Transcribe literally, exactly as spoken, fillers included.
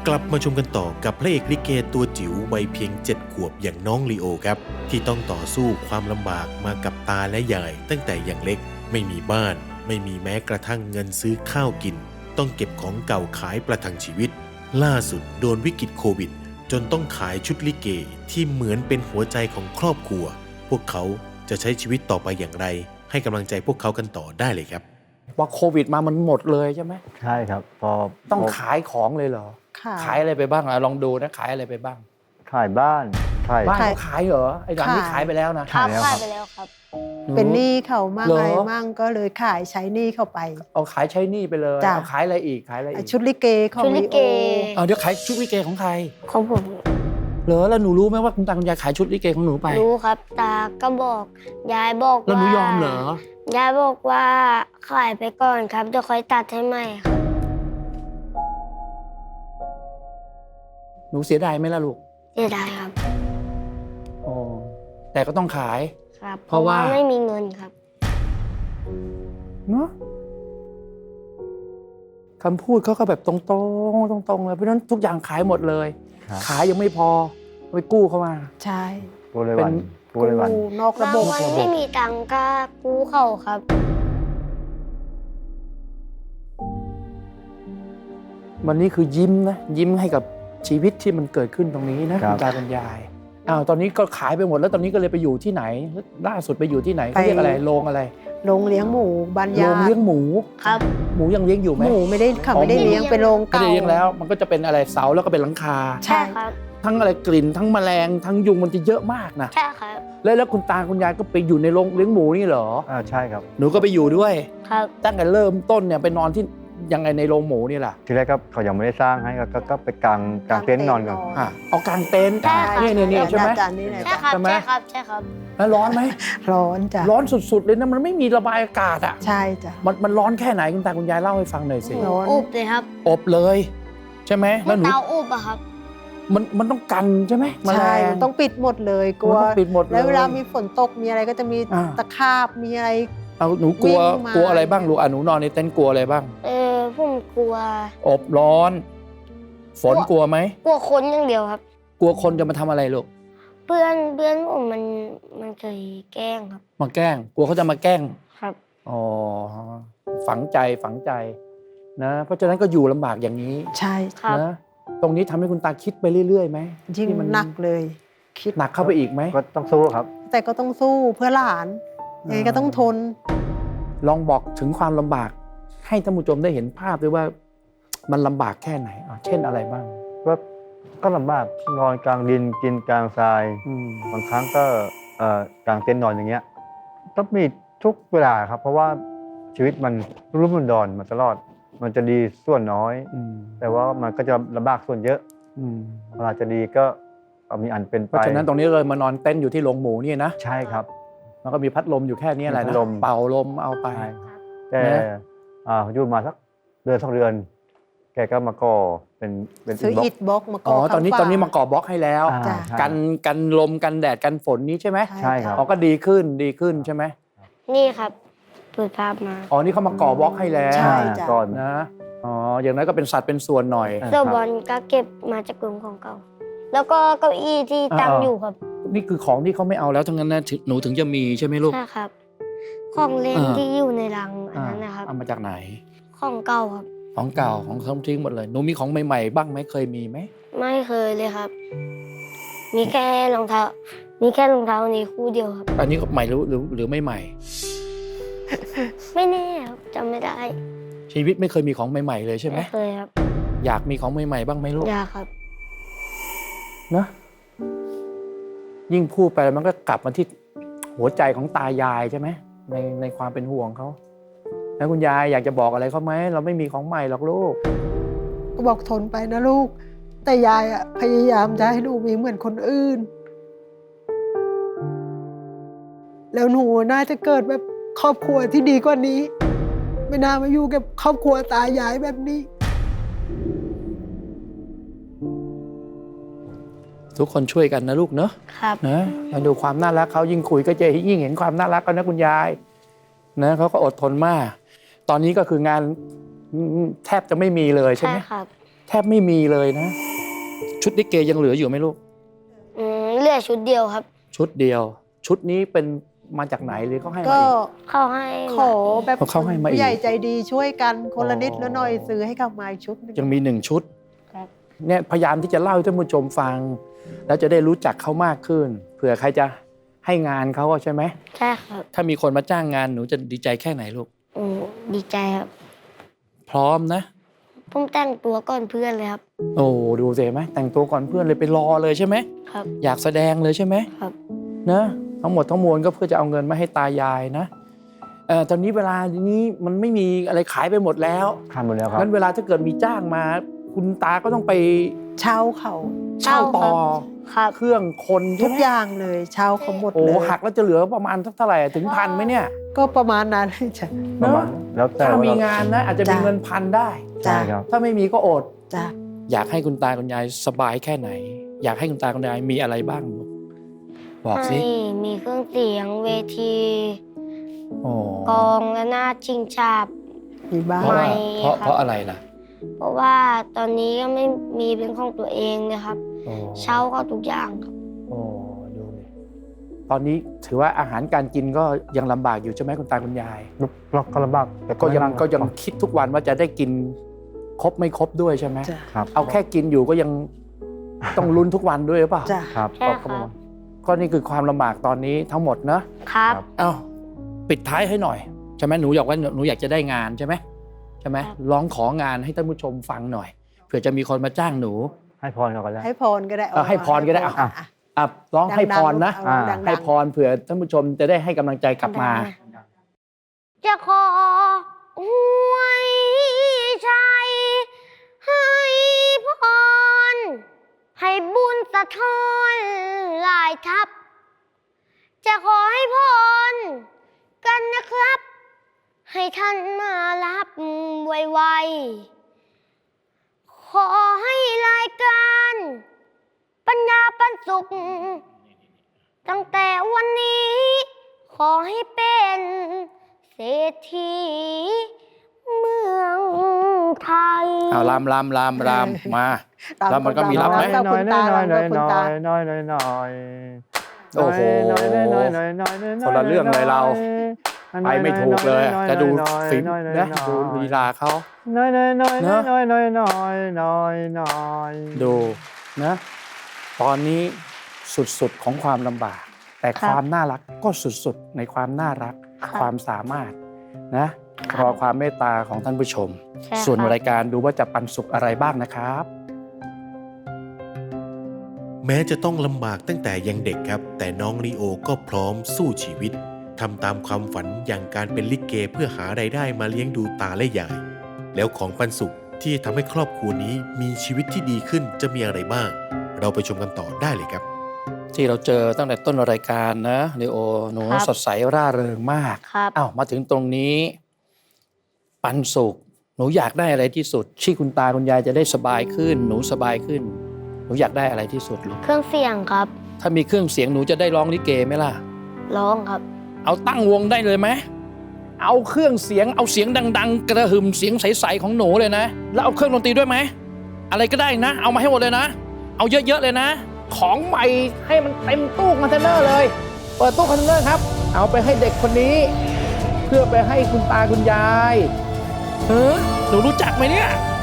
ลับมาชมกันต่อกับพระเอกลิเกตัวจิ๋ววัยเพียงเจ็ดขวบอย่างน้องลีโอครับที่ต้องต่อสู้ความลำบากมากับตาและยายตั้งแต่อย่างเล็กไม่มีบ้านไม่มีแม้กระทั่งเงินซื้อข้าวกินต้องเก็บของเก่าขายประทังชีวิตล่าสุดโดนวิกฤตโควิดจนต้องขายชุดลิเกที่เหมือนเป็นหัวใจของครอบครัวพวกเขาจะใช้ชีวิตต่อไปอย่างไรให้กำลังใจพวกเขากันต่อได้เลยครับว่าโควิดมามันหมดเลยใช่ไหมใช่ครับพอต้องขายของเลยเหรอขายอะไรไปบ้างอะลองดูนะขายอะไรไปบ้างขายบ้านขายบ้านเขาขายเหรอไอ้หลังนี่ขายไปแล้วนะครับขายไปแล้วครับเป็นหนี้เขามั่งอะไรมั่งก็เลยขายใช้หนี้เข้าไปเอาขายใช้หนี้ไปเลยเอาขายอะไรอีกขายอะไรอีกชุดลิเกของลิโอเอาเดี๋ยวขายชุดลิเกของใครของผมเหรอแล้วหนูรู้ไหมว่าคุณตาคุณยายขายชุดลิเกของหนูไปรู้ครับตาก็บอกยายบอกว่าแล้วหนูยอมเหรอยายบอกว่าขายไปก่อนครับเดี๋ยวค่อยตัดให้ใหม่ครับหนูเสียดายไหมล่ะลูกเสียดายครับโอ้แต่ก็ต้องขายครับเพราะว่าไม่มีเงินครับเนาะคำพูดเขาก็แบบตรงๆตรงๆเลยเพราะฉะนั้นทุกอย่างขายหมดเลยขายยังไม่พอไปกู้เข้ามาใช่กู้เลยวันกู้เลยวันนอกระบบวันไม่มีตังค์ก็กู้เขาครับวันนี้คือยิ้มนะยิ้มให้กับชีวิตที่มันเกิดขึ้นตรงนี้นะคุณตาคุณยายอ้าวตอนนี้ก็ขายไปหมดแล้วตอนนี้ก็เลยไปอยู่ที่ไหนล่าสุดไปอยู่ที่ไหนเขาเรียกอะไรโรงอะไรโรงเลี้ยงหมูบ้านยาโรงเลี้ยงหมูครับหมูยังเลี้ยงอยู่ไหมหมูไม่ได้เขาไม่ได้เลี้ยงเป็นโรงเก่าไม่ได้เลี้ยงแล้วมันก็จะเป็นอะไรเสาแล้วก็เป็นหลังคาใช่ครับทั้งอะไรกลิ่นทั้งแมลงทั้งยุงมันจะเยอะมากนะใช่ครับแล้วแล้วคุณตาคุณยายก็ไปอยู่ในโรงเลี้ยงหมูนี่เหรออ่าใช่ครับหนูก็ไปอยู่ด้วยครับตั้งแต่เริ่มต้นเนี่ยไปนอนที่ยังไงในโรงหมูนี่แหละทีแรกก็เขายังไม่ได้สร้างให้ก็ก็ไปกางกางเต็นท์นอนก่อนอ่ะเอากางเต็นท์นี่นี่นี่ใช่ไหมใช่ครับใช่ครับใช่ครับแล้วร้อนไหมร้อนจ้ะร้อนสุดๆเลยนะมันไม่มีระบายอากาศอ่ะใช่จ้ะมันมันร้อนแค่ไหนคุณตาคุณยายเล่าให้ฟังหน่อยสิอบเลยครับอบเลยใช่ไหมแล้วหนูเตาอบอะครับมันมันต้องกันใช่ไหมใช่มันต้องปิดหมดเลยกลัวปิดหมดแล้วเวลามีฝนตกมีอะไรก็จะมีตะขาบมีอะไรเอาหนูกลัวกลัวอะไรบ้างลูกอ่ะหนูนอนในเต็นท์กลัวอะไรบ้างเออผมกลัวอบร้อนฝนกลัวไหมกลัวคนอย่างเดียวครับกลัวคนจะมาทำอะไรลูกเพื่อนเพื่อนผมมันมันเคยแกล้งครับมาแกล้งกลัวเขาจะมาแกล้งครับอ๋อฝังใจฝังใจนะเพราะฉะนั้นก็อยู่ลำบากอย่างนี้ใช่ครับนะตรงนี้ทำให้คุณตาคิดไปเรื่อยๆไหมยิ่งมันหนักเลยคิดหนักเข้าไปอีกไหมก็ต้องสู้ครับแต่ก็ต้องสู้เพื่อหลานยังไงก็ต้องทนลองบอกถึงความลำบากให้ท่านผู้ชมได้เห็นภาพด้วยว่ามันลำบากแค่ไหนเช่นอะไรบ้างก็ก็ลำบากนอนกลางดินกินกลางทรายบางครั้งก็กลางเต็นท์นอนอย่างเงี้ยต้องมีทุกเวลาครับเพราะว่าชีวิตมันรุ่มดอนมาตลอดมันจะดีส่วนน้อยแต่ว่ามันก็จะลำบากส่วนเยอะเวลาจะดีก็มีอันเป็นไปเพราะฉะนั้นตรงนี้เลยมานอนเต็นท์อยู่ที่โรงหมูนี่นะใช่ครับมันก็มีพัดลมอยู่แค่นี้แหละนะเป่าลมเอาไปแต่อยู่มาสักเดือนสองเดือนแกก็มาก่อเป็นเป็นซื้ออิฐบล็อกมาก่ออ๋อตอนนี้ตอนนี้มาก่อบล็อกให้แล้วกันกันลมกันแดดกันฝนนี้ใช่ไหมใช่ครับอ๋อก็ดีขึ้นดีขึ้นใช่ไหมนี่ครับเปิดภาพมาอ๋อนี่เขามาก่อบล็อกให้แล้วใช่จ้ะก่อนนะอ๋ออย่างนั้นก็เป็นสัตว์เป็นส่วนหน่อยเสื้อบอลก็เก็บมาจากกลุ่มของเก่าแล้วก็เก้าอี้ที่ตั้งอยู่ครับนี่คือของที่เขาไม่เอาแล้วทั้งนั้นนะหนูถึงจะมีใช่ไหมลูกใช่ครับของเล่นที่อยู่ในรังอันนั้นนะครับเอามาจากไหนของเก่าครับของเก่าของเขาทิ้งหมดเลยหนูมีของใหม่ๆบ้างไหมเคยมีไหมไม่เคยเลยครับมีแค่รองเท้ามีแค่รองเท้านี้คู่เดียวครับอันนี้ใหม่หรือหรือหรือไม่ใหม่ไม่แน่ครับจำไม่ได้ชีวิตไม่เคยมีของใหม่ๆเลยใช่ไหมไม่เคยครับอยากมีของใหม่ๆบ้างไหมลูกอยากครับนะยิ่งพูดไปมันก็กลับมาที่หัวใจของตายายใช่ไหมในในความเป็นห่วงเขาแล้วคุณยายอยากจะบอกอะไรเขาไหมเราไม่มีของใหม่หรอกลูกก็บอกทนไปนะลูกแต่ยายอ่ะพยายามจะให้ลูกมีเหมือนคนอื่นแล้วหนูน่าจะเกิดแบบครอบครัวที่ดีกว่านี้ไม่น่ามาอยู่กับครอบครัวตายายแบบนี้ทุกคนช่วยกันนะลูกเนอะครับนะมาดูความน่ารักเขายิ่งคุยก็จะยิ่งเห็นความน่ารักกันนะคุณยายนะเขาก็อดทนมากตอนนี้ก็คืองานแทบจะไม่มีเลยใช่ไหมใช่ครับแทบไม่มีเลยนะ ชุดลิเกยังเหลืออยู่ไหมลูกอืมเหลือชุดเดียวครับชุดเดียว ชุดนี้เป็นมาจากไหนหรือเขาให้มาก็เองเข้าให้ขอแบบเขาให้มาอีกผู้ใหญ่ใจดีช่วยกันคนละนิดอ๋อละหน่อยซื้อให้กับมาอีกชุดหนึงยังมีหนึ่งชุดครับเนี่ยพยายามที่จะเล่าให้ท่านผู้ชมฟัง แล้วจะได้รู้จักเขามากขึ้นเผื่อใครจะให้งานเขาอะใช่ไหมใช่ครับถ้ามีคนมาจ้างงานหนูจะดีใจแค่ไหนลูกอืมดีใจครับพร้อมนะผมแต่งตัวก่อนเพื่อนเลยครับโอ้ดูสิเห็นไหมแต่งตัวก่อนเพื่อนเลยไปรอเลยใช่ไหมครับอยากแสดงเลยใช่ไหมครับนะทั้งหมดทั้งมวลก็เพื่อจะเอาเงินมาให้ตายายนะเอ่อตอนนี้เวลานี้มันไม่มีอะไรขายไปหมดแล้วทำหมดแล้วครับงั้นเวลาถ้าเกิดมีจ้างมา คุณตาก็ต้องไปเช่าเขาเช่าต่อครับเครื่องคนทุใช่กไหมอย่างเลยเช่าเขาหมดโอ้เลยหักแล้วจะเหลือประมาณสักเท่าไหร่อะถึงพันไหมเนี่ยก็ประมาณนั้นจ้ะประมาณแล้วแต่ถ้าว่ามีเรางานนะ อาจจะมีจ้ะเงินพันได้ใช่ครับถ้าไม่มีก็อดจ้ะอยากให้คุณตาคุณยายสบายแค่ไหน อยากให้คุณตาคุณยายมีอะไรบ้างลูกบอกสิให้มีเครื่องเสียงเวทีโอ้กลองและนาดชิงฉาบมีบ้าเพราะงว่าไม่เพราะครับเพราะอะไรล่ะเพราะว่าตอนนี้ก็ไม่มีเป็นของตัวเองเลยครับโอ้เช่าเขาทุกอย่างครับโอ้ดูดิตอนนี้ถือว่าอาหารการกินก็ยังลำบากอยู่ใช่ไหมคุณตาคุณยายเราก็ลำบากแต่ก็ยังไม่ลำบาก็ยังคิดทุกวันว่าจะได้กินครบไม่ครบด้วยใช่ไหมจ้ะครับเอาแค่กินอยู่ก็ยังต้องลุ้นทุกวันด้วยหรือเปล่าจ้ะครับใช่ครับก็นี่คือความลำบากตอนนี้ทั้งหมดเนอะครับครับเอ้าปิดท้ายให้หน่อยใช่ไหมหนูอยากว่าหนูอยากจะได้งานใช่ไหมใช่ไหมครับร้องของานให้ท่านผู้ชมฟังหน่อยเผื่อจะมีคนมาจ้างหนูให้พรเขาก็ได้ให้พรก็ได้เออให้พรก็ได้อ่ะอ่ะอ่ะร้องให้พรนะดังๆเอาดังๆให้พรเผื่อท่านผู้ชมจะได้ให้กำลังใจกลับมาจะขออวยชัยให้พร ให้บุญสะท้อนหลายทับ จะขอให้พรกันนะครับ ให้ท่านมารับไวๆ ขอให้รายการ ปัญญาปันสุข ตั้งแต่วันนี้ ขอให้เป็นเศรษฐีเมืองไทยเอาลำลำลำลำมา แล้วมันก็มีน้รับอไหมยน้อยน้อยน้อยน้อยน้อยคุณตาน้อยน้อยน้อยโอ้โหน้อยน้อยน้อยน้อยน้อยน้อยคนละเรื่องเลยเรา ไปไม่ถูกเลยอะจะดูฝีมนะดูลีลาเขาน้อยน้อยน้อยเนน้ออะยน้อยน้อยน้อยน้อยน้อยดูนะ ตอนนี้สุดๆของความลำบาก แต่ครับความน่ารักก็สุดๆในความน่ารักครับความสามารถนะรอความเมตตาของท่านผู้ชมใช่ส่วนครับรายการดูว่าจะปันสุขอะไรบ้างนะครับแม้จะต้องลำบากตั้งแต่ยังเด็กครับ แต่น้องลีโอก็พร้อมสู้ชีวิตทำตามความฝันอย่างการเป็นลิเกเพื่อหารายได้มาเลี้ยงดูตาและยาย แล้วของปันสุขที่ทำให้ครอบครัวนี้มีชีวิตที่ดีขึ้นจะมีอะไรบ้าง เราไปชมกันต่อได้เลยครับที่เราเจอตั้งแต่ต้นรายการนะลีโอหนูครับสดใสร่าเริงมากครับอ้าวมาถึงตรงนี้ ปันสุข หนูอยากได้อะไรที่สุดที่คุณตาคุณยายจะได้สบายขึ้น หนูสบายขึ้น หนูอยากได้อะไรที่สุดลูกเครื่องเสียงครับถ้ามีเครื่องเสียงหนูจะได้ร้องลิเกไหมล่ะร้องครับเอาตั้งวงได้เลยไหมเอาเครื่องเสียงเอาเสียงดัง ๆ กระหึ่มเสียงใสๆของหนูเลยนะ แล้วเอาเครื่องดนตรีด้วยไหมอะไรก็ได้นะ เอามาให้หมดเลยนะ เอาเยอะๆเลยนะ ของใหม่ให้มันเต็มตู้คอนเทนเนอร์เลย เปิดตู้คอนเทนเนอร์ครับ เอาไปให้เด็กคนนี้ เพื่อไปให้คุณตาคุณยายเออหนูรู้จักไหมเนี่ย